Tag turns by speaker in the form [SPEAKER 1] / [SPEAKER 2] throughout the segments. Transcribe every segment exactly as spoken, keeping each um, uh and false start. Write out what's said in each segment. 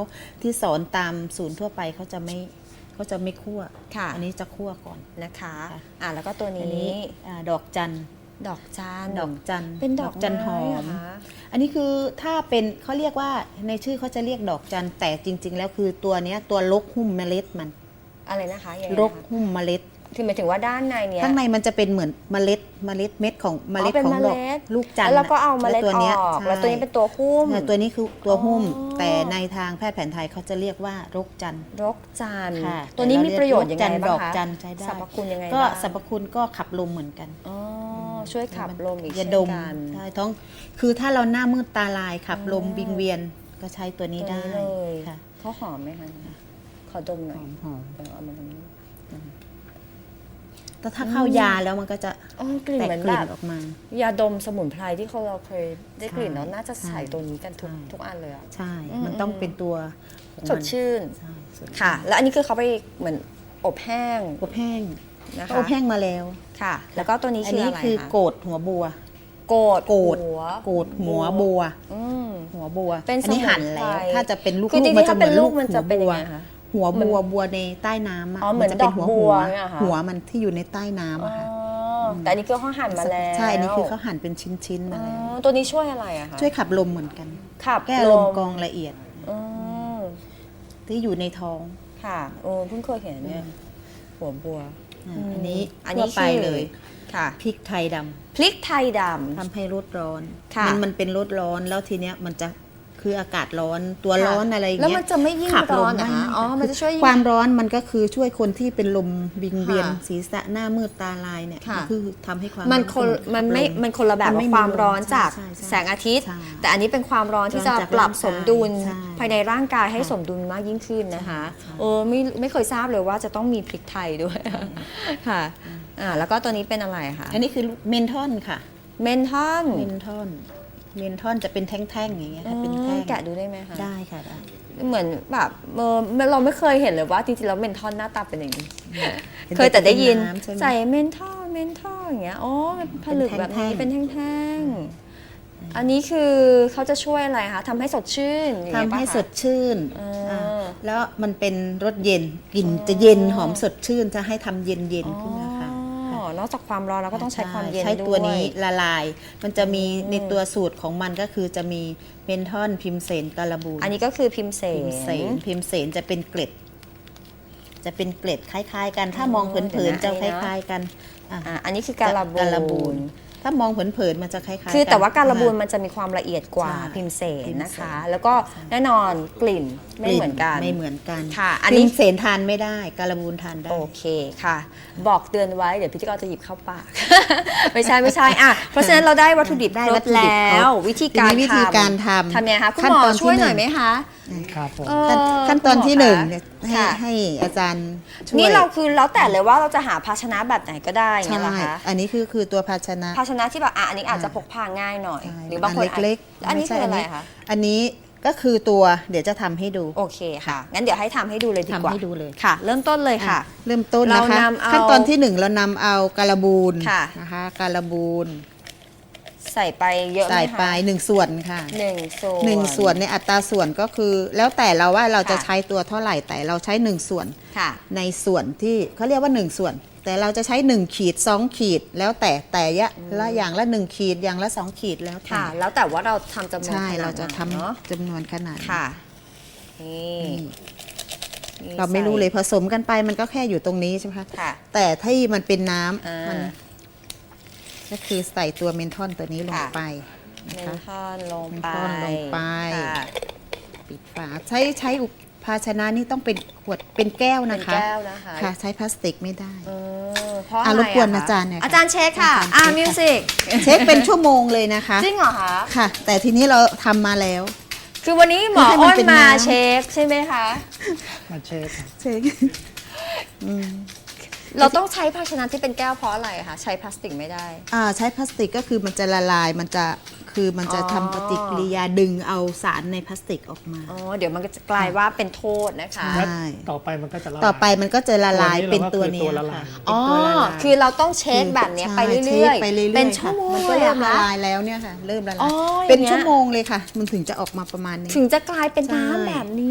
[SPEAKER 1] ที่สอนตามศูนย์ทั่วไปเขาจะไม่เขาจะไม่คั่ว
[SPEAKER 2] ค่ะ
[SPEAKER 1] อันนี้จะคั่วก่อน
[SPEAKER 2] นะคะ
[SPEAKER 1] ค่ะ
[SPEAKER 2] อ่าแล้วก็ตัว
[SPEAKER 1] อัน
[SPEAKER 2] นี้
[SPEAKER 1] นี้อ่าดอกจัน
[SPEAKER 2] ดอกจัน
[SPEAKER 1] ดอกจัน
[SPEAKER 2] เป็นดอก
[SPEAKER 1] จันหอ
[SPEAKER 2] ไเหร
[SPEAKER 1] ม
[SPEAKER 2] คะ
[SPEAKER 1] อันนี้คือถ้าเป็นเขาเรียกว่าในชื่อเขาจะเรียกดอกจันแต่จริง ๆ แล้วคือตัวเนี้ยตัวลกหุ้มเมล็ดมัน
[SPEAKER 2] อะไรนะคะยังไง
[SPEAKER 1] ล
[SPEAKER 2] นะ
[SPEAKER 1] ก
[SPEAKER 2] คะ
[SPEAKER 1] หุ้มเมล็ด
[SPEAKER 2] คือหมายถึงว่าด้านในเนี้ย
[SPEAKER 1] ข้างในมันจะเป็นเหมือนเมล็ดเมล็ดเม็ดของเมล็ด
[SPEAKER 2] อ๋อเป็น
[SPEAKER 1] ของดอก
[SPEAKER 2] เมล็ด
[SPEAKER 1] ลูกจันท
[SPEAKER 2] แล้ว
[SPEAKER 1] ร์
[SPEAKER 2] เราก็เอาเมล็ด
[SPEAKER 1] แวตัว
[SPEAKER 2] อ
[SPEAKER 1] นี้ย
[SPEAKER 2] อก
[SPEAKER 1] ใช่
[SPEAKER 2] แล้วตัวนี้เป็นตัวหุ้ม
[SPEAKER 1] เออตัวนี้คือตัวหุ้ม
[SPEAKER 2] อ๋อ
[SPEAKER 1] แต่ในทางแพทย์แผนไทยเขาจะเรียกว่ารกจันทร์
[SPEAKER 2] รกจันทร์
[SPEAKER 1] ค่ะ
[SPEAKER 2] ตัวนี้มีประโยชน์ยังไง
[SPEAKER 1] แต่เราเรียก
[SPEAKER 2] บ้าง
[SPEAKER 1] ดอก
[SPEAKER 2] คะ
[SPEAKER 1] จันทร์ใช้ได้
[SPEAKER 2] สรรพคุณยังไง
[SPEAKER 1] ก็
[SPEAKER 2] บ้าง
[SPEAKER 1] สรรพคุณก็ขับลมเหมือนกัน
[SPEAKER 2] อ๋อช่วยขับลมอีก
[SPEAKER 1] ยา
[SPEAKER 2] เช่น
[SPEAKER 1] ดม
[SPEAKER 2] กัน
[SPEAKER 1] ใช่ท้องคือถ้าเราหน้ามืดตาลายขับลม
[SPEAKER 2] อ๋อ
[SPEAKER 1] วิงเวียนก็ใช้ตัวนี้
[SPEAKER 2] ตัว
[SPEAKER 1] ได้
[SPEAKER 2] นี้เลย
[SPEAKER 1] ค่ะ
[SPEAKER 2] เขาหอมไหมคะขอดมห
[SPEAKER 1] ห
[SPEAKER 2] น่อย
[SPEAKER 1] อมหอม
[SPEAKER 2] เดี๋ยวเอามาตรงนี้
[SPEAKER 1] แต่ถ้าเข้ายาแล้วมันก็จะ
[SPEAKER 2] อ๋อกลิ่น
[SPEAKER 1] แตก
[SPEAKER 2] เหมือน
[SPEAKER 1] ก
[SPEAKER 2] แบ
[SPEAKER 1] ลิ่น
[SPEAKER 2] บ
[SPEAKER 1] ออกมา
[SPEAKER 2] ยาดมสมุนไพรที่เขาเราเคยได้กลิ่น
[SPEAKER 1] ใช่
[SPEAKER 2] แล้วน่าจะใส่
[SPEAKER 1] ใช่
[SPEAKER 2] ตัวนี้กันทุก
[SPEAKER 1] ใช่
[SPEAKER 2] ทุกอันเลยอะ
[SPEAKER 1] ใช่
[SPEAKER 2] อืม
[SPEAKER 1] มันต้องเป็นตัวของ
[SPEAKER 2] ส
[SPEAKER 1] มั
[SPEAKER 2] ด
[SPEAKER 1] น
[SPEAKER 2] ชื่น
[SPEAKER 1] ใช่สดชื่น
[SPEAKER 2] ค่ะ แล้วอันนี้คือเขาไปเหมือนอบแห้ง
[SPEAKER 1] อบแห้ง
[SPEAKER 2] นะคะ
[SPEAKER 1] เขาอบแห้งมาแล้ว
[SPEAKER 2] ค่ะ แล้วก็ตัวนี้
[SPEAKER 1] อัน
[SPEAKER 2] คือ
[SPEAKER 1] นี้
[SPEAKER 2] อะไร
[SPEAKER 1] คือ
[SPEAKER 2] คะ
[SPEAKER 1] โกดหัวบัว
[SPEAKER 2] โกด
[SPEAKER 1] โกด
[SPEAKER 2] หัว
[SPEAKER 1] โกดหัวบัว
[SPEAKER 2] อืม
[SPEAKER 1] หัวบัว
[SPEAKER 2] เป็น
[SPEAKER 1] อันี้หั่นแล้ว
[SPEAKER 2] สมุนไพร
[SPEAKER 1] ถ้าจะเป็นลูก
[SPEAKER 2] คือจริงๆ
[SPEAKER 1] มันจะ
[SPEAKER 2] ถ้า
[SPEAKER 1] เห
[SPEAKER 2] เป็
[SPEAKER 1] มือน น
[SPEAKER 2] ลู
[SPEAKER 1] ลู
[SPEAKER 2] ก
[SPEAKER 1] ก
[SPEAKER 2] มันจะเป็นยังไงคะ
[SPEAKER 1] หัวบัวบัวในใต้น้ำะ
[SPEAKER 2] อ๋อเหมือน
[SPEAKER 1] จะเป็น
[SPEAKER 2] ดอก
[SPEAKER 1] หัว
[SPEAKER 2] บั
[SPEAKER 1] หั
[SPEAKER 2] ว
[SPEAKER 1] ว
[SPEAKER 2] เนี่ยเหรอคะ
[SPEAKER 1] หัวมันที่อยู่ในใต้น้ำ
[SPEAKER 2] อ๋อ
[SPEAKER 1] อะค่ะ
[SPEAKER 2] อแต่อันนี้คือเขาหั่นมาแล้ว
[SPEAKER 1] ใช่อันนี้คือเขาหั่นเป็นชิ้นๆ
[SPEAKER 2] อ๋
[SPEAKER 1] มาแล้ว
[SPEAKER 2] อตัวนี้ช่วยอะไรอะคะ
[SPEAKER 1] ช่วยขับลมเหมือนกัน
[SPEAKER 2] ขับ
[SPEAKER 1] แก้ลมกรองละเอียด
[SPEAKER 2] อืม
[SPEAKER 1] ที่อยู่ในท้อง
[SPEAKER 2] ค่ะโอ้เพิ่งเคยเห็นเนี่ยหัวบัว
[SPEAKER 1] อ่า
[SPEAKER 2] อืม
[SPEAKER 1] อันนี้
[SPEAKER 2] อันนี้
[SPEAKER 1] ทั่วไป
[SPEAKER 2] คือ
[SPEAKER 1] เลย
[SPEAKER 2] ค่ะ
[SPEAKER 1] พริกไทยดำ
[SPEAKER 2] พริกไทยด
[SPEAKER 1] ทำให้รดร้อน
[SPEAKER 2] ค่ะ
[SPEAKER 1] มันมันเป็นรดร้อนแล้วทีเนี้ยมันจะคืออากาศร้อนตัว
[SPEAKER 2] ค่ะ
[SPEAKER 1] ร้อนอะไรอย่าง
[SPEAKER 2] แล้ว
[SPEAKER 1] เงี้ย
[SPEAKER 2] มันจะไม่ยิ่ง
[SPEAKER 1] ขับล
[SPEAKER 2] ร้อ
[SPEAKER 1] ม
[SPEAKER 2] นเหรอ
[SPEAKER 1] ไม่
[SPEAKER 2] คะอ๋อมันจะช่วยยิ่ง
[SPEAKER 1] ความร้อนมันก็คือช่วยคนที่เป็นลมวิงเวียน
[SPEAKER 2] ค่ะ
[SPEAKER 1] ศีรษะหน้ามืดตาลายเนี่ย
[SPEAKER 2] ค่ะ
[SPEAKER 1] มันคือทำให้ความ
[SPEAKER 2] มัน
[SPEAKER 1] ร้อ
[SPEAKER 2] คน
[SPEAKER 1] ขับ
[SPEAKER 2] มันไม่
[SPEAKER 1] ล
[SPEAKER 2] มันคนละแบบ
[SPEAKER 1] มัน
[SPEAKER 2] กับ
[SPEAKER 1] ไม่
[SPEAKER 2] ความ
[SPEAKER 1] มีลม
[SPEAKER 2] ร้อนจาก
[SPEAKER 1] ใช่ใช่
[SPEAKER 2] แสงอาทิตย์
[SPEAKER 1] ใช่
[SPEAKER 2] แต่อันนี้เป็นความร้อนที่จะ
[SPEAKER 1] ร้อนจาก
[SPEAKER 2] ปรับ
[SPEAKER 1] ร่างกาย
[SPEAKER 2] สมดุล
[SPEAKER 1] ใช่
[SPEAKER 2] ภายในร่างกายให้
[SPEAKER 1] ค่ะ
[SPEAKER 2] สมดุลมากยิ่งขึ้นนะคะ
[SPEAKER 1] ใช่
[SPEAKER 2] เออไม่ไม่เคยทราบเลยว่าจะต้องมีพริกไทยด้วยค่ะอ่าแล้วก็ตัวนี้เป็นอะไรคะ
[SPEAKER 1] อันนี้คือเมนทอนค่ะ
[SPEAKER 2] เมนทอน
[SPEAKER 1] เมนทอนเมนทอนจะเป็นแท่งๆอย่างเงี้ยค่ะเป็นแท่ง
[SPEAKER 2] แกะดูได้ไหมคะ
[SPEAKER 1] ได้ค่ะได้
[SPEAKER 2] เหมือนแบบเออเราไม่เคยเห็นเลยว่าจริงๆแล้วเมนทอนหน้าตาเป็นอย่างนี้
[SPEAKER 1] ห็น
[SPEAKER 2] เคยแต่ได้ยิน
[SPEAKER 1] เป็ำใช่ไหม
[SPEAKER 2] ใส่เมนทอลเมนทอลอย่างเงี้ยอ๋อมันผลึกแบบนี้
[SPEAKER 1] เป็
[SPEAKER 2] เป็น
[SPEAKER 1] น
[SPEAKER 2] แท่
[SPEAKER 1] แท่
[SPEAKER 2] ง
[SPEAKER 1] ง
[SPEAKER 2] ๆอันนี้คือเขาจะช่วยอะไรคะทำให้สดชื่นอย่าง
[SPEAKER 1] ทำ
[SPEAKER 2] เงี้ยปะ
[SPEAKER 1] ให้
[SPEAKER 2] คะ
[SPEAKER 1] สดชื่น
[SPEAKER 2] อ่า
[SPEAKER 1] อ่าแล้วมันเป็นรสเย็นกลิ่นจะเย็นหอมสดชื่นจะให้ทำเย็นเย็นๆขึ้นนะคะ
[SPEAKER 2] อ๋อนอกจากความร้อนเราก็ต้องใช้ความเย็น
[SPEAKER 1] ใช้
[SPEAKER 2] ด้วย
[SPEAKER 1] ตัวนี้ละลาย มันจะมี
[SPEAKER 2] อืม
[SPEAKER 1] ในตัวสูตรของมันก็คือจะมีเมนทอนพิมเสนการบูน
[SPEAKER 2] อันนี้ก็คือพิมเส
[SPEAKER 1] พิมเสน
[SPEAKER 2] น
[SPEAKER 1] พิมเสนจะเป็นเกล็ด จะเป็นเกล็ดคล้าย ๆ กัน ถ้า
[SPEAKER 2] อ๋อ
[SPEAKER 1] มองเผินๆ
[SPEAKER 2] เดี๋
[SPEAKER 1] จะ
[SPEAKER 2] ยวนะ
[SPEAKER 1] คล้าย ๆ กันอ่ะ
[SPEAKER 2] อ่ะอันนี้คือการบู
[SPEAKER 1] การบู
[SPEAKER 2] น
[SPEAKER 1] น ถ้ามองเผินๆมันจะคล้ายๆกัน
[SPEAKER 2] คือแต่ว่าการบูน
[SPEAKER 1] อ่ะ
[SPEAKER 2] มันจะมีความละเอียดกว่า
[SPEAKER 1] ใช่
[SPEAKER 2] พิมเสน
[SPEAKER 1] พิมเสน
[SPEAKER 2] นะคะ แล้วก็แน่นอนกลิ่นไม่เหมือนกัน
[SPEAKER 1] ไม่เหมือนกัน
[SPEAKER 2] ค่ะอันนี้
[SPEAKER 1] พิมเสนทานไม่ได้การบูนทานได้
[SPEAKER 2] โอเคค่ะ บอกเตือนไว้เดี๋ยวพิธีกรจะหยิบเข้าปาก ไม่ใช่ไม่ใช่อ่ะเพราะฉะนั้นเราได้วัตถุดิบ
[SPEAKER 1] ได้
[SPEAKER 2] คร
[SPEAKER 1] วั
[SPEAKER 2] บ
[SPEAKER 1] ตถุดิบ
[SPEAKER 2] แล้
[SPEAKER 1] คร
[SPEAKER 2] ว
[SPEAKER 1] บ
[SPEAKER 2] วิธีการ
[SPEAKER 1] ทีนี้วิธีการทำ
[SPEAKER 2] ทำยังไงคะคุณ
[SPEAKER 1] ขั้น
[SPEAKER 2] หมอ
[SPEAKER 1] ตอนที่
[SPEAKER 2] ช่วยหน่อย
[SPEAKER 1] หนึ่ง
[SPEAKER 2] ไหมคะ
[SPEAKER 3] ครับผม
[SPEAKER 2] เออ
[SPEAKER 1] ขั้นขั้นตอนที่
[SPEAKER 2] คุณ
[SPEAKER 1] ห
[SPEAKER 2] ม
[SPEAKER 1] นึ่ง
[SPEAKER 2] คะ
[SPEAKER 1] เนี่ยให้
[SPEAKER 2] ค่ะ
[SPEAKER 1] ให้อาจารย์ช่วย
[SPEAKER 2] นี่เราคือแล้วแต่เลยว่าเราจะหาภาชนะแบบไหนก็ได้อย่าง
[SPEAKER 1] ใช่
[SPEAKER 2] เงี้ยเหรอคะ
[SPEAKER 1] อันนี้คือคือตัวภาชนะ
[SPEAKER 2] ภาชนะที่แบบอ่ะอันนี้อาจจะพกพาง่ายหน่อย
[SPEAKER 1] ใช่
[SPEAKER 2] หรือบางคนอาจ
[SPEAKER 1] เล็ก
[SPEAKER 2] แล้วอันนี้
[SPEAKER 1] ไม่ใช่
[SPEAKER 2] คืออะไร
[SPEAKER 1] นี้
[SPEAKER 2] คะ
[SPEAKER 1] อันนี้ก็คือตัวเดี๋ยวจะทำให้ดู
[SPEAKER 2] โอเคค่ะงั้นเดี๋ยวให้ทำให้ดูเลยดีกว่า
[SPEAKER 1] ทำให้ดูเลย
[SPEAKER 2] ค่ะ เริ่มต้นเลยค่ะ
[SPEAKER 1] อ่ะเริ่มต้น
[SPEAKER 2] เรา
[SPEAKER 1] นะคะ
[SPEAKER 2] นำเอา
[SPEAKER 1] ขั้นตอนที่หนึ่งเรานำเอาการบูน
[SPEAKER 2] ค่ะ
[SPEAKER 1] นะคะการบูน
[SPEAKER 2] ใส่ไปเยอะไหม
[SPEAKER 1] ใส่
[SPEAKER 2] คะ
[SPEAKER 1] ไปหนึ่งส่วนค่ะ
[SPEAKER 2] หนึ่งส่วน
[SPEAKER 1] หนึ่งส่วนในอัตราส่วนก็คือ แล้วแต่เราว่าเราจะ
[SPEAKER 2] ค่ะ
[SPEAKER 1] ใช้ตัวเท่าไหร่แต่เราใช้หนึ่งส่วน
[SPEAKER 2] ค่ะ
[SPEAKER 1] ในส่วนที่เขาเรียกว่าหนึ่งส่วน แต่เราจะใช้หนึ่งขีดสองขีด แล้วแต่แต่ยะละอย่างละหนึ่งขีดอย่างละสองขีดแล้วแต่
[SPEAKER 2] ค่ะ แล้วแต่ว่าเราทำจำนวน
[SPEAKER 1] ใช่
[SPEAKER 2] ขนด
[SPEAKER 1] เราจะทำ
[SPEAKER 2] ไหนเนาะ
[SPEAKER 1] จำนวนขนาด
[SPEAKER 2] ค่ะนี่
[SPEAKER 1] นี่
[SPEAKER 2] นี่
[SPEAKER 1] เราไม่รู้เลย
[SPEAKER 2] ใส่
[SPEAKER 1] ผสมกันไปมันก็แค่อยู่ตรงนี้ใช่ไหมคะ
[SPEAKER 2] ค่ะ
[SPEAKER 1] แต่ที่มันเป็นน้ำ
[SPEAKER 2] อ่ามั
[SPEAKER 1] มันก็คือใส่ตัวเมนทอนตัวนี้ลง
[SPEAKER 2] ค่ะ
[SPEAKER 1] ไป
[SPEAKER 2] เม
[SPEAKER 1] นะ
[SPEAKER 2] น
[SPEAKER 1] คะ
[SPEAKER 2] ทอนลงไป
[SPEAKER 1] เมนทอนลงไป
[SPEAKER 2] ค่ะ
[SPEAKER 1] ปิดฝาใช้ใช้อุปภาชนะนี่ต้องเป็นขวดเป็นแก้ว
[SPEAKER 2] เป็
[SPEAKER 1] นะ
[SPEAKER 2] น
[SPEAKER 1] คะ
[SPEAKER 2] แก้วนะคะ
[SPEAKER 1] ค่ะ ใช้พลาสติกไม่ได้
[SPEAKER 2] เออเพราะ
[SPEAKER 1] อ่ะ
[SPEAKER 2] อะไร
[SPEAKER 1] รบกวน
[SPEAKER 2] คะ
[SPEAKER 1] อาจารย์หน่อยค่ะ
[SPEAKER 2] อาจารย์เช็คค่ะ
[SPEAKER 1] อาจารย์
[SPEAKER 2] อ่า
[SPEAKER 1] เช็คค่ะ
[SPEAKER 2] มิวสิก
[SPEAKER 1] เช็คเป็นชั่วโมงเลยนะคะ
[SPEAKER 2] จริงเหรอคะ
[SPEAKER 1] ค่ะ แต่ทีนี้เราทำมาแล้ว
[SPEAKER 2] คือวันนี้หมอ
[SPEAKER 1] ให้มัน
[SPEAKER 2] อ้น
[SPEAKER 1] เป็น
[SPEAKER 2] มา
[SPEAKER 1] น้ำ
[SPEAKER 2] เช็คใช่ไหมคะ
[SPEAKER 3] มาเช็คครับ
[SPEAKER 1] เช็คอืม
[SPEAKER 2] เราต้องใช้ภาชนะที่เป็นแก้วเพราะอะไรคะใช้พลาสติกไม่ได้
[SPEAKER 1] อ่าใช้พลาสติกก็คือมันจะละลายมันจะคือมันจะ
[SPEAKER 2] อ๋อ
[SPEAKER 1] ทำปฏิกิริยาดึงเอาสารในพลาสติกออกมา
[SPEAKER 2] อ๋อเดี๋ยวมันก็จะกลายว่าเป็นโทษนะคะ
[SPEAKER 1] ใช่
[SPEAKER 3] แล้วต่อไปมันก็จะละลาย
[SPEAKER 1] ต่อไปมันก็จะละลาย
[SPEAKER 3] ตัวนี้
[SPEAKER 1] เป็นตัว
[SPEAKER 3] เราก็คือ
[SPEAKER 1] เนี้
[SPEAKER 3] ตัวย ละลา
[SPEAKER 1] ค่ะ
[SPEAKER 3] ย
[SPEAKER 1] เป็น
[SPEAKER 2] อ๋อ
[SPEAKER 1] ตัวละลาย
[SPEAKER 2] คือเราต้องเช็คแบบเนี้ยไป
[SPEAKER 1] ใช่
[SPEAKER 2] เรื่อย
[SPEAKER 1] ช็คไปเรื่อยๆ
[SPEAKER 2] เป็นชั่วโมง
[SPEAKER 1] ค่ะมันก็
[SPEAKER 2] เลย
[SPEAKER 1] เริ่
[SPEAKER 2] เห
[SPEAKER 1] ม
[SPEAKER 2] รอ
[SPEAKER 1] ละ
[SPEAKER 2] คะ
[SPEAKER 1] ลายแล้วเนี่ยค่ะ เริ่มละ
[SPEAKER 2] อ๋
[SPEAKER 1] ลา
[SPEAKER 2] อย
[SPEAKER 1] เป็น
[SPEAKER 2] อย่างเงี้ย
[SPEAKER 1] ชั่วโมงเลยค่ะ มันถึงจะออกมาประมาณนี้
[SPEAKER 2] ถึงจะกลายเป็น
[SPEAKER 1] ใช่
[SPEAKER 2] น้ำแบบนี้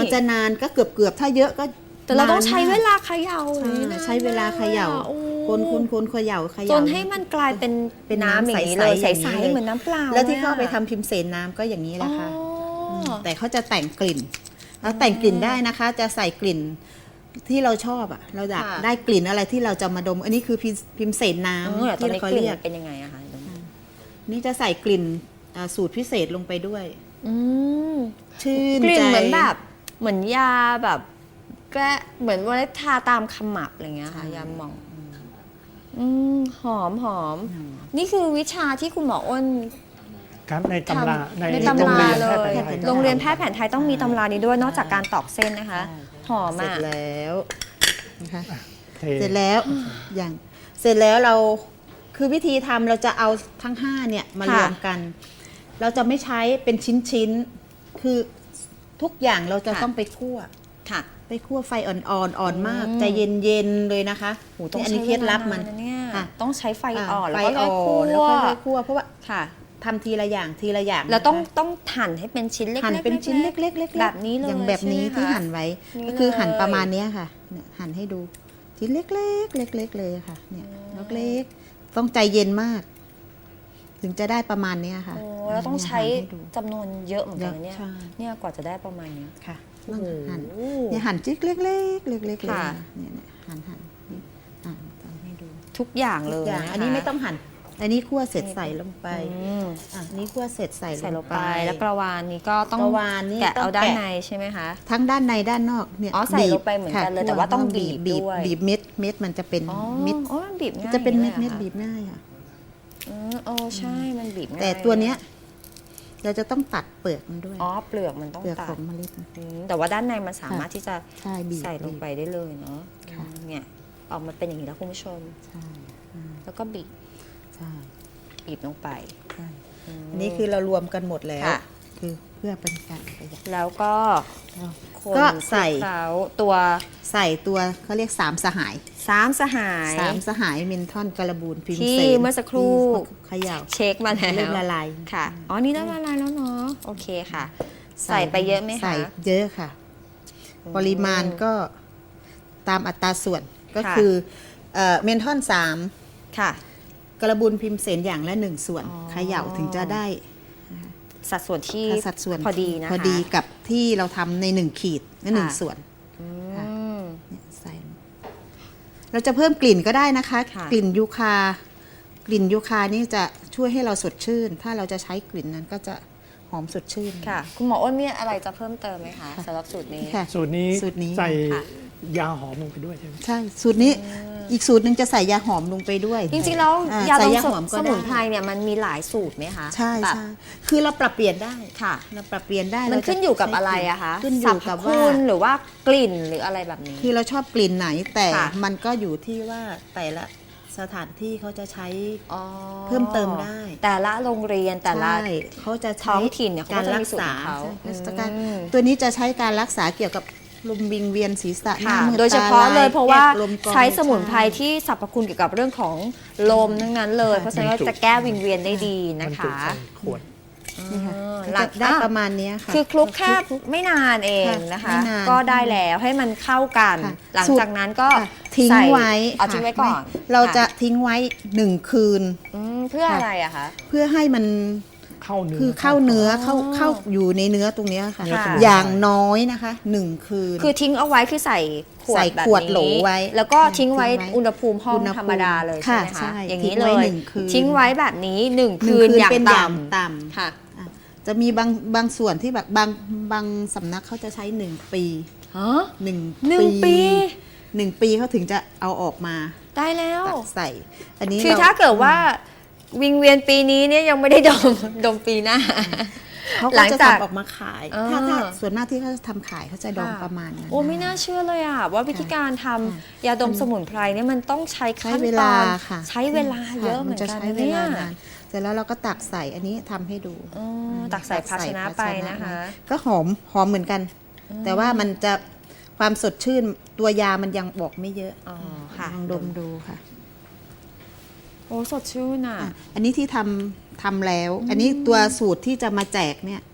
[SPEAKER 1] จะนานก็เกือบเกือบๆถ้าเยอะก็
[SPEAKER 2] แต่เราต้องใช้
[SPEAKER 1] นนมก
[SPEAKER 2] เวลาเขย่า
[SPEAKER 1] ใช่
[SPEAKER 2] อย่างนี้นะ
[SPEAKER 1] ใช้เวลาเขย่า
[SPEAKER 2] โอ้
[SPEAKER 1] คนคนคนเขย่าเข
[SPEAKER 2] จ
[SPEAKER 1] ย่าน
[SPEAKER 2] ให้มันกลายเป็น
[SPEAKER 1] เป็น
[SPEAKER 2] น้ำ
[SPEAKER 1] น้ำ
[SPEAKER 2] อย่างนี้
[SPEAKER 1] ใส
[SPEAKER 2] เลย
[SPEAKER 1] ๆ
[SPEAKER 2] ใ
[SPEAKER 1] อย่างนี้
[SPEAKER 2] ส
[SPEAKER 1] เลย
[SPEAKER 2] ๆเหมือนน้ำเปล่า
[SPEAKER 1] แล้วที่เขา
[SPEAKER 2] ลยอะ
[SPEAKER 1] ไปทำพิมพ์เสนน้ำก็อย่างนี้แหละค่ะ
[SPEAKER 2] อ๋อ
[SPEAKER 1] มแต่เขาจะแต่งกลิ่นแล้วแต่งกลิ่นได้นะคะ จะใส่กลิ่นที่เราชอบอ่ะ เราอยาก
[SPEAKER 2] ค่ะ
[SPEAKER 1] ได้กลิ่นอะไรที่เราจะมาดม อันนี้คือพิมพ์พิมพ์เสนน้
[SPEAKER 2] เออ
[SPEAKER 1] ำ
[SPEAKER 2] ตอน
[SPEAKER 1] ที่
[SPEAKER 2] นี้
[SPEAKER 1] เขา
[SPEAKER 2] กลิ่น
[SPEAKER 1] เรียก
[SPEAKER 2] เป็นยังไงอะคะ
[SPEAKER 1] นี่จะใส่กลิ่นอ่าสูตรพิเศษลงไปด้วย
[SPEAKER 2] อืม
[SPEAKER 1] ชื่น
[SPEAKER 2] กลิ่น
[SPEAKER 1] ใจ
[SPEAKER 2] เหมือนแบบเหมือนยาแบบแก้เหมือนว่าทาตามขมับอะไรเงี้ยค่ะยาหมองอืมหอมหอม นี่คือวิชาที่คุณหมออ้น
[SPEAKER 3] ครับในตำรา
[SPEAKER 2] ทำ
[SPEAKER 3] ใน
[SPEAKER 2] ใน
[SPEAKER 3] โร
[SPEAKER 2] ตำ
[SPEAKER 3] ง
[SPEAKER 2] รา
[SPEAKER 3] เรียน
[SPEAKER 2] เล
[SPEAKER 3] แพทย์แผ
[SPEAKER 2] ย
[SPEAKER 3] นไทย
[SPEAKER 2] โรงเรียนแพทย์แผนไทยต้องมีตำรานี้ด้วยนอกจากการตอกเส้นนะคะ หอม
[SPEAKER 1] เสร็จ
[SPEAKER 2] อ่ะ
[SPEAKER 1] แล้วนะคะ
[SPEAKER 3] เท
[SPEAKER 1] เสร็จแล้วอย่างเสร็จแล้วเราคือวิธีทำเราจะเอาทั้งห้าเนี่ยมารวมกัน เราจะไม่ใช้เป็นชิ้นๆคือทุกอย่างเราจะ
[SPEAKER 2] ค่ะ
[SPEAKER 1] ต้องไปคั่ว
[SPEAKER 2] ค่ะ
[SPEAKER 1] ไปคั่วไฟอ่อนๆอ่อนมาก
[SPEAKER 2] อืม
[SPEAKER 1] ใจเย็นๆเลยนะคะ
[SPEAKER 2] โหต้อง
[SPEAKER 1] นี่อัน
[SPEAKER 2] ใช้
[SPEAKER 1] นี้เคล็ดลับ
[SPEAKER 2] วา
[SPEAKER 1] มัน
[SPEAKER 2] นานนะเนี่ย
[SPEAKER 1] ค่ะ
[SPEAKER 2] ต้องใช้ไฟ
[SPEAKER 1] อ่า
[SPEAKER 2] อ่อน
[SPEAKER 1] ไฟ
[SPEAKER 2] แล้วก็
[SPEAKER 1] อ่อน
[SPEAKER 2] คั่
[SPEAKER 1] แล้ว
[SPEAKER 2] ว
[SPEAKER 1] ค่อยๆคั่วเพราะว่า
[SPEAKER 2] ค่ะ
[SPEAKER 1] ทำทีละอย่างทีละอย่าง
[SPEAKER 2] แล้วต้อง
[SPEAKER 1] นะคะ
[SPEAKER 2] ต้องหั่นให้เป็นชิ้นเล็กๆ
[SPEAKER 1] หั่นเป็นชิ้นเล็กๆเล็กๆ
[SPEAKER 2] แบบนี้เลย
[SPEAKER 1] อย่างแบบนี้
[SPEAKER 2] ใช่ไหมคะ
[SPEAKER 1] ที่หั่นไว้
[SPEAKER 2] นี่
[SPEAKER 1] ก็คือหั่น
[SPEAKER 2] เลย
[SPEAKER 1] ประมาณเนี้ยค่ะเนี่ยหั่นให้ดูชิ้นเล็กๆเล็กๆเลยค่ะเนี่ยเล็กๆต้องใจเย็นมาก ถึงจะได้ประมาณเนี้ยค่ะ
[SPEAKER 2] โอ้แล้วต้องใช้
[SPEAKER 1] เนี่ยหั่นให้ดู
[SPEAKER 2] จำนวนเยอะเหมือนกันนะเนี่ย
[SPEAKER 1] ใช่
[SPEAKER 2] เนี่ยกว่าจะได้ประมาณเนี้ย
[SPEAKER 1] ค่ะ
[SPEAKER 2] โอ้
[SPEAKER 1] ต้อง
[SPEAKER 2] โห
[SPEAKER 1] หั่นเนี่ยหั่นจิ๊กเล็กๆเล็กๆเลย
[SPEAKER 2] ค่ะ
[SPEAKER 1] ค่ะเนี่ยเนี่ยหั่นหั่นนี่อ่าทำให้ดู
[SPEAKER 2] ทุกอย่างเล
[SPEAKER 1] ทุ
[SPEAKER 2] ย
[SPEAKER 1] กอย่าง
[SPEAKER 2] นะคะ
[SPEAKER 1] อันนี้ไม่ต้องหั่น อันนี้คั่วเสร็จใส่ลงไป
[SPEAKER 2] อืม
[SPEAKER 1] อ่ะอันนี้คั่วเสร็จใส่
[SPEAKER 2] ใส่ล
[SPEAKER 1] ล
[SPEAKER 2] ง
[SPEAKER 1] ง
[SPEAKER 2] ไป
[SPEAKER 1] ไป
[SPEAKER 2] แล้วกระวานนี้ก็ต้อง
[SPEAKER 1] กระวานนี่
[SPEAKER 2] แกะ
[SPEAKER 1] ต้อง
[SPEAKER 2] เอาด้าน
[SPEAKER 1] แกะ
[SPEAKER 2] ในใช่ไหมคะ
[SPEAKER 1] ทั้งด้านในด้านนอกเนี่ย
[SPEAKER 2] อ๋อใส่
[SPEAKER 1] บีบ
[SPEAKER 2] ลงไปเหมือนกัน
[SPEAKER 1] ค่ะ
[SPEAKER 2] เลยแต่ว่าต้องบีบ
[SPEAKER 1] บีบ
[SPEAKER 2] ด้วย
[SPEAKER 1] บีบเม็ดเม็ดมันจะเป็น
[SPEAKER 2] อ๋อ
[SPEAKER 1] เม็ด
[SPEAKER 2] อ๋อมันบีบง่าย
[SPEAKER 1] จะเป็น
[SPEAKER 2] อ
[SPEAKER 1] เม็
[SPEAKER 2] ย่า
[SPEAKER 1] ด
[SPEAKER 2] ง
[SPEAKER 1] เม็
[SPEAKER 2] นี้
[SPEAKER 1] ด
[SPEAKER 2] หรอ
[SPEAKER 1] บีบง่ายค่ะ
[SPEAKER 2] อืมโอ้ใช่มันบีบง่าย
[SPEAKER 1] แต่ตัวเนี้ยเราจะต้องตัดเปลือกมันด้วย
[SPEAKER 2] อ๋อเปลือกมันต้อง
[SPEAKER 1] เปลือก
[SPEAKER 2] ตั
[SPEAKER 1] ข
[SPEAKER 2] ด
[SPEAKER 1] องเมล็ด
[SPEAKER 2] อืมแต่ว่าด้านในมันสามารถที่จะ
[SPEAKER 1] ใช่บีบ
[SPEAKER 2] ใส่ลงไปได้เลยเนาะ
[SPEAKER 1] ค่ะ
[SPEAKER 2] อืมเนี่ยออกมาเป็นอย่างนี้แล้วคุณผู้ชม
[SPEAKER 1] ใช่อืม
[SPEAKER 2] แล้วก็บีบ
[SPEAKER 1] ใช่
[SPEAKER 2] บีบลงไป
[SPEAKER 1] ใช่
[SPEAKER 2] ม
[SPEAKER 1] อันนี้คือเรารวมกันหมดแล้ว
[SPEAKER 2] ค่ะ
[SPEAKER 1] คือเพื่อเป็นการประหยัด
[SPEAKER 2] แล้วก็ คน
[SPEAKER 1] ก็ใส่
[SPEAKER 2] คลุกเคล้าตัว
[SPEAKER 1] ใส่ตัวเขาเรียกสามสหาย
[SPEAKER 2] สามสหาย
[SPEAKER 1] สามสหายเมนทอนการบูนพิม
[SPEAKER 2] ที่
[SPEAKER 1] เสน
[SPEAKER 2] เมื่อสักครู่
[SPEAKER 1] ที่เขย่า
[SPEAKER 2] เช็คมาแล้ว
[SPEAKER 1] เริ่มละลาย
[SPEAKER 2] ค่ะ อ๋อ นี่เริ่มละลายแล้วเนาะ โอเคค่ะ ใส่ไปเยอะไหมคะ
[SPEAKER 1] ใส่เยอะค่ะ ปริมาณก็ตามอัตราส่วนก็
[SPEAKER 2] ค่ะ
[SPEAKER 1] คือเอ่อเมนทอนสาม
[SPEAKER 2] ค่ะ
[SPEAKER 1] กระบุนพิมพ์เสนอย่างละหนึ่งส่วน
[SPEAKER 2] อ๋อ
[SPEAKER 1] เขย่าถึงจะได้
[SPEAKER 2] สัดส่วนที่
[SPEAKER 1] สัดส่วน
[SPEAKER 2] พอดีนะคะ
[SPEAKER 1] พอดีกับที่เราทำในหนึ่งขีดและหนึ่ง
[SPEAKER 2] ค่ะ
[SPEAKER 1] ส่วน
[SPEAKER 2] อื
[SPEAKER 1] ค่ะ
[SPEAKER 2] ม
[SPEAKER 1] เนี่ยใส่เราจะเพิ่มกลิ่นก็ได้นะคะ
[SPEAKER 2] ค่ะ
[SPEAKER 1] กลิ่นยูคา กลิ่นยูคานี่จะช่วยให้เราสดชื่น ถ้าเราจะใช้กลิ่นนั้นก็จะหอมสดชื่น
[SPEAKER 2] ค่ะ คุณหมออ้นมีอะไรจะเพิ่มเติมไหมคะสำหรับสูตรนี้
[SPEAKER 1] ค่ะ
[SPEAKER 3] สูตรนี้
[SPEAKER 1] สูตรนี้
[SPEAKER 3] ใส่
[SPEAKER 2] ค่ะ
[SPEAKER 3] ยาหอมลงไปด้วยใช่ไหม
[SPEAKER 1] ใช่ สูตรนี้อีกสูตรหนึ่งจะใส่ยาหอมลงไปด้วย
[SPEAKER 2] จริงๆแล้ว
[SPEAKER 1] อ่
[SPEAKER 2] ยา
[SPEAKER 1] ใส่
[SPEAKER 2] ดม
[SPEAKER 1] ยาหอมก็
[SPEAKER 2] ส
[SPEAKER 1] ได้
[SPEAKER 2] มุนไพรเนี่ยมันมีหลายสูตรไหมคะ
[SPEAKER 1] ใช่
[SPEAKER 2] แบบ
[SPEAKER 1] ใช่คือเราปรับเปลี่ยนได้
[SPEAKER 2] ค่ะ
[SPEAKER 1] เราปรับเปลี่ยนได้
[SPEAKER 2] มัน
[SPEAKER 1] เราจะ
[SPEAKER 2] ขึ้นอยู่กับ
[SPEAKER 1] ใช้
[SPEAKER 2] อะไรอะคะ
[SPEAKER 1] ขึ้นอ
[SPEAKER 2] สร
[SPEAKER 1] ยู่
[SPEAKER 2] รพ
[SPEAKER 1] กับ
[SPEAKER 2] คุ
[SPEAKER 1] ว่า
[SPEAKER 2] ณหรือว่ากลิ่นหรืออะไรแบบนี้
[SPEAKER 1] คือเราชอบกลิ่นไหนแต่
[SPEAKER 2] ค่ะ
[SPEAKER 1] มันก็อยู่ที่ว่าแต่ละสถานที่เขาจะใช้
[SPEAKER 2] อ๋อ
[SPEAKER 1] เพิ่มเติมได้
[SPEAKER 2] แต่ละโรงเรียนแต่ละ
[SPEAKER 1] ใช่เขาจะใช้
[SPEAKER 2] ท้องถิ่นเนี่ยเขาก็จะมีสูตรของเขา
[SPEAKER 1] ใช่ใช่การ
[SPEAKER 2] อืม
[SPEAKER 1] ตัวนี้จะใช้การรักษาเกี่ยวกับลมวิงเวียนศีรษะหน้า
[SPEAKER 2] ค่ะ
[SPEAKER 1] มืด
[SPEAKER 2] โดยเฉพาะ
[SPEAKER 1] ต
[SPEAKER 2] เลยเพราะว่า
[SPEAKER 1] แก้ลมกรอง
[SPEAKER 2] ใช้สมุนไพร
[SPEAKER 1] ใช่
[SPEAKER 2] ที่สรรพคุณเกี่ยวกับเรื่องของลมทั้งนั้นเลย เพราะฉะนั้น
[SPEAKER 3] บรรจุ
[SPEAKER 2] จะแก้วิงเวียนได้ดี
[SPEAKER 3] มั
[SPEAKER 2] นะ
[SPEAKER 3] นจุ
[SPEAKER 2] คะ
[SPEAKER 3] ใส่ขวด
[SPEAKER 1] นี่ค่ะ
[SPEAKER 2] เออ
[SPEAKER 1] ก็
[SPEAKER 2] หลั
[SPEAKER 1] จะ
[SPEAKER 2] ง
[SPEAKER 1] ได้
[SPEAKER 2] อ่ะ
[SPEAKER 1] ประมาณเนี้ยค่ะ
[SPEAKER 2] คือคลุกแค่ไม่นานเอง
[SPEAKER 1] ค่ะ
[SPEAKER 2] นะคะ
[SPEAKER 1] ไม่นาน
[SPEAKER 2] ก็ได้แล้วให้มันเข้ากัน
[SPEAKER 1] ค่ะ
[SPEAKER 2] หลังจากนั้นก็
[SPEAKER 1] ค่ะทิ้ง
[SPEAKER 2] ใส่
[SPEAKER 1] ไว้
[SPEAKER 2] เอา
[SPEAKER 1] ค่ะ
[SPEAKER 2] ทิ้งไว้ก่อน
[SPEAKER 1] ไม่เราจะทิ้งไว้หนึ่งคืน
[SPEAKER 2] อืมเพื่ออะไรอะคะ
[SPEAKER 1] เพื่อให้มัน
[SPEAKER 3] เข้าเนื้อ
[SPEAKER 1] คือเข้าเนื้อเข้า
[SPEAKER 2] อ๋อ
[SPEAKER 1] เข้าอยู่ในเนื้อตรงเนี้ยค่ะ
[SPEAKER 3] เนื้อ
[SPEAKER 2] ค่ะ
[SPEAKER 3] สมุนไพร
[SPEAKER 1] อย่างน้อยนะคะหนึ่งคืน
[SPEAKER 2] คือทิ้งเอาไว้คือใส่ขวด
[SPEAKER 1] ใส่
[SPEAKER 2] แบบ
[SPEAKER 1] ขวด
[SPEAKER 2] นี้
[SPEAKER 1] โหลไว้
[SPEAKER 2] แล้วก็ทิ้งไว้
[SPEAKER 1] ทิ้งไว้
[SPEAKER 2] อุณหภูมิห้อง
[SPEAKER 1] อุณหภูมิ
[SPEAKER 2] ธรรมดาเลยใช่ไหม
[SPEAKER 1] ค่ะ
[SPEAKER 2] คะ
[SPEAKER 1] ใช่
[SPEAKER 2] อย่างนี้
[SPEAKER 1] ทิ้ง
[SPEAKER 2] เล
[SPEAKER 1] ไว้
[SPEAKER 2] ย
[SPEAKER 1] หนึ่งคืน
[SPEAKER 2] ทิ้งไว้แบบนี้หนึ่ง
[SPEAKER 1] หนึ่
[SPEAKER 2] คื
[SPEAKER 1] ง
[SPEAKER 2] น
[SPEAKER 1] คืน
[SPEAKER 2] อย่าง
[SPEAKER 1] เป็นอย่าง
[SPEAKER 2] ต่ำ
[SPEAKER 1] ต่ำ
[SPEAKER 2] ค่ะ
[SPEAKER 1] อ่ะจะมีบางบางส่วนที่แบบบางบางสำนักเขาจะใช้หนึ่งปี
[SPEAKER 2] ฮะ
[SPEAKER 1] หนึ่ง
[SPEAKER 2] หนึ่งปี
[SPEAKER 1] หนึ่งปีเขาถึงจะเอาออกมา
[SPEAKER 2] ได้แล้ว
[SPEAKER 1] ตักใส่ อันนี้
[SPEAKER 2] คือ
[SPEAKER 1] ร
[SPEAKER 2] ถ้าเกิดว่าวิงเวียนปีนี้เนี่ยยังไม่ได้ดม ดมปีหน้า
[SPEAKER 1] เขา
[SPEAKER 2] หลั
[SPEAKER 1] ก็
[SPEAKER 2] ง
[SPEAKER 1] จะ
[SPEAKER 2] จาก
[SPEAKER 1] ทำออกมาขาย
[SPEAKER 2] อ่า
[SPEAKER 1] ถ้าถ้าส่วนมากที่เขาจะทำขายเขาจะดอง
[SPEAKER 2] ค่ะ
[SPEAKER 1] ประมาณนั้น
[SPEAKER 2] โอ้ไม่น่าเชื่อเลยอ่ะว่าวิธีการทำ
[SPEAKER 1] ค่ะ
[SPEAKER 2] ยาดมสมุนไพรเนี่ยมันต้องใช้
[SPEAKER 1] ใช้
[SPEAKER 2] ขั้น
[SPEAKER 1] เว
[SPEAKER 2] ต
[SPEAKER 1] ลา
[SPEAKER 2] อน
[SPEAKER 1] ค่ะ
[SPEAKER 2] ใช้เวลาเยอะ
[SPEAKER 1] ค่
[SPEAKER 2] เหมือน
[SPEAKER 1] จะ
[SPEAKER 2] กัน
[SPEAKER 1] ใช้เว
[SPEAKER 2] เนี่ย
[SPEAKER 1] ลานานเสร็จแล้วเราก็ตักใส่อันนี้ทำให้ดู
[SPEAKER 2] อ๋อตักใส่ภาชนะไปนะคะ
[SPEAKER 1] ก็หอมหอมเหมือนกัน แต่ว่ามันจะความสดชื่นตัวยามันยังบอกไม่เยอะ
[SPEAKER 2] อ๋อค่ะ
[SPEAKER 1] ลองดมดูค่ะ
[SPEAKER 2] โอ้สดชื่นอ่ะ
[SPEAKER 1] อ่ะ อันนี้ที่ทำทำแล้ว อันนี้ตัวสูตรที่จะมาแจกเนี่ย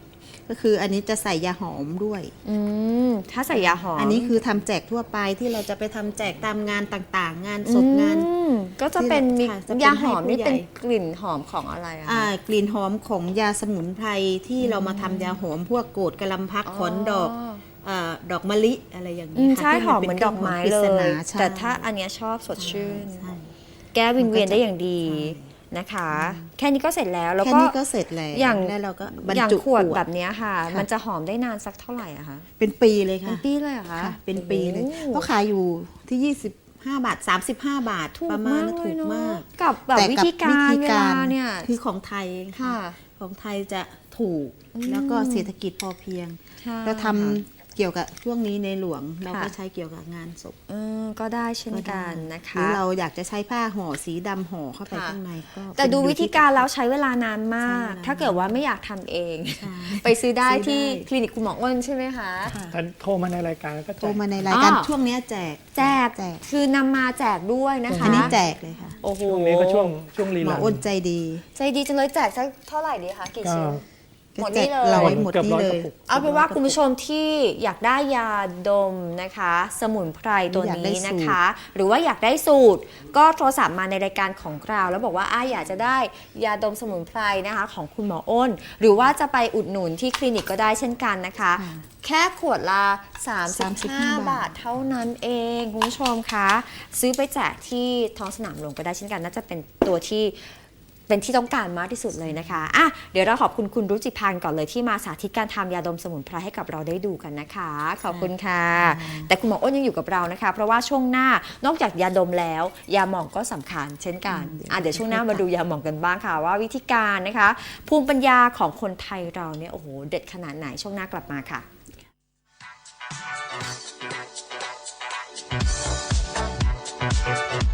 [SPEAKER 1] ก็คืออันนี้จะใส่ยาหอมด้วย
[SPEAKER 2] อืมถ้าใส่ยาหอม
[SPEAKER 1] อันนี้คือทำแจกทั่วไปที่เราจะไปทำแจกตามงานต่างๆ งานศพงาน
[SPEAKER 2] อืมก็จะเป็นมี
[SPEAKER 1] ค่ะจะเป็น
[SPEAKER 2] ยาหอม
[SPEAKER 1] ให้ผู้
[SPEAKER 2] นี่
[SPEAKER 1] ใหญ่
[SPEAKER 2] เป็นกลิ่นหอมของอะไรอะคะ
[SPEAKER 1] อ่ากลิ่นหอมของยาสมุนไพรที่เรามาทำยาหอมพวกโกดกะลำพักขอนดอกอ่าดอกมะลิอะไรอย่าง
[SPEAKER 2] อื
[SPEAKER 1] นี้
[SPEAKER 2] ม
[SPEAKER 1] ค่ะ
[SPEAKER 2] ใช่
[SPEAKER 1] ที่
[SPEAKER 2] หอมเหมือนดอกไม้เล
[SPEAKER 1] ป็น
[SPEAKER 2] ย
[SPEAKER 1] ครื่องหอมปริศนาใช่
[SPEAKER 2] แต่ถ้าอันเนี้ยชอบสดชื่น
[SPEAKER 1] ใช่
[SPEAKER 2] แก้วิงเวียน
[SPEAKER 1] มันก็จะ
[SPEAKER 2] ได้อย่างดีนะคะ แค่นี้ก็เสร็จแล้วแล้ว
[SPEAKER 1] แค่
[SPEAKER 2] ก็
[SPEAKER 1] นี้ก็เสร็จแล้ว
[SPEAKER 2] อย่าง
[SPEAKER 1] แล้วเราก็บรร
[SPEAKER 2] อย่าง
[SPEAKER 1] จุ
[SPEAKER 2] ขวด
[SPEAKER 1] ขวด
[SPEAKER 2] แบบเนี้ยค่ะ
[SPEAKER 1] ค่ะ
[SPEAKER 2] มันจะหอมได้นานสักเท่าไหร่อะคะ
[SPEAKER 1] เป็นปีเลย
[SPEAKER 2] เป็
[SPEAKER 1] ค่ะ
[SPEAKER 2] นปีเลยเหรอคะ
[SPEAKER 1] ค่ะ เป็นปีเลย
[SPEAKER 2] โอ้
[SPEAKER 1] เพราะขายอยู่ที่ยี่สิบห้าบาทสามสิบห้าบาท
[SPEAKER 2] ถูก
[SPEAKER 1] ประมาณ
[SPEAKER 2] มาก
[SPEAKER 1] นั้น
[SPEAKER 2] เล
[SPEAKER 1] ถู
[SPEAKER 2] ย
[SPEAKER 1] ก
[SPEAKER 2] เนาะ
[SPEAKER 1] มาก
[SPEAKER 2] กับแบบ
[SPEAKER 1] แต่
[SPEAKER 2] วิ
[SPEAKER 1] กับ
[SPEAKER 2] ธีการเวลาเนี่ย
[SPEAKER 1] คือของไทย
[SPEAKER 2] ค่ะ
[SPEAKER 1] ของไทยจะถูกแล้วก็เศรษฐกิจพอเพียง
[SPEAKER 2] ใช่
[SPEAKER 1] เราทำ
[SPEAKER 2] ค่ะ
[SPEAKER 1] เกี่ยวกับช่วงนี้ในหลวงเราก็
[SPEAKER 2] ค่ะ
[SPEAKER 1] ใช้เกี่ยวกับงานศพ
[SPEAKER 2] เออก็ได้เช่น
[SPEAKER 1] ก็
[SPEAKER 2] กั
[SPEAKER 1] ได้
[SPEAKER 2] นนะ
[SPEAKER 1] หรื
[SPEAKER 2] คะ
[SPEAKER 1] อเราอยากจะใช้ผ้าห่อสีดำห่อเข้าไป
[SPEAKER 2] ค่ะ
[SPEAKER 1] ข้างในก็
[SPEAKER 2] แต่ดู
[SPEAKER 1] เป็น
[SPEAKER 2] วิธีการแล้วใช้เวลานานมาก
[SPEAKER 1] ใช้เวลา
[SPEAKER 2] ถ้าเกิดว่าไม่อยากทำเอง
[SPEAKER 1] ใช่
[SPEAKER 2] ไปซื้อได้
[SPEAKER 1] ซื้อได้
[SPEAKER 2] ที่คลินิกคุณหมออ้นใช่ไหมคะ
[SPEAKER 1] ค่ะ
[SPEAKER 3] ถ้าโทรมาในรายการก็
[SPEAKER 1] โทร
[SPEAKER 3] แจก
[SPEAKER 1] มาในรายการ
[SPEAKER 2] อ้อ
[SPEAKER 1] ช่วงเนี้ยแจก
[SPEAKER 2] แจก
[SPEAKER 1] แจก
[SPEAKER 2] คือนำมาแจกด้วยนะคะ
[SPEAKER 1] อันนี้แจกเลยค่ะ
[SPEAKER 2] โอ้โห
[SPEAKER 3] ช่วงนี้ก็ช่วงช่วงรี
[SPEAKER 1] หมอ
[SPEAKER 3] ลัน
[SPEAKER 1] อ้นใจดี
[SPEAKER 2] ใจดีจังเลยแจกสักเท่าไหร่ดีคะกี่
[SPEAKER 3] ก็
[SPEAKER 2] ชิ้น หมด
[SPEAKER 1] แจ
[SPEAKER 2] นี่
[SPEAKER 1] ก
[SPEAKER 2] เลย
[SPEAKER 1] ร้อยหมด
[SPEAKER 3] เกือบ
[SPEAKER 1] นี่
[SPEAKER 3] ร้อย
[SPEAKER 1] เล
[SPEAKER 3] กระ
[SPEAKER 1] ย
[SPEAKER 3] ปุก
[SPEAKER 2] เอาเป็นว่าคุณผู้ชมที่อยากได้ยาดมนะคะ สมุนไพรตัว
[SPEAKER 1] อยากได้
[SPEAKER 2] นี้
[SPEAKER 1] สูตร
[SPEAKER 2] นะคะ หรือว่าอยากได้สูตร ก็โทรศัพท์มาในรายการของเรา แล้วบอกว่าอ้าอยากจะได้ยาดมสมุนไพรนะคะ ของคุณหมออ้น หรือว่าจะไปอุดหนุนที่คลินิกก็ได้เช่นกันนะคะ แค่ขวดละสามสิบห้า บาทเท่านั้นเองคุณผู้ชมคะซื้อไปแจกที่ท้องสนามหลวงก็ได้เช่นกันน่าจะเป็นตัวที่เป็นที่ต้องการมากที่สุดเลยนะคะอ่ะเดี๋ยวเราขอบคุณคุณรุจิพันธ์ก่อนเลยที่มาสาธิตการทำยาดมสมุนไพรให้กับเราได้ดูกันนะคะ ขอบคุณค่ะ แต่คุณหมออ้นยังอยู่กับเรานะคะ เพราะว่าช่วงหน้านอกจากยาดมแล้ว ยาหม่องก็สำคัญเช่นกันอ่ะเดี๋ยวช่วงหน้ามาดูยาหม่องกันบ้างค่ะ ว่าวิธีการนะคะ ภูมิปัญญาของคนไทยเราเนี่ยโอ้โหเด็ดขนาดไหนช่วงหน้ากลับมาค่ะ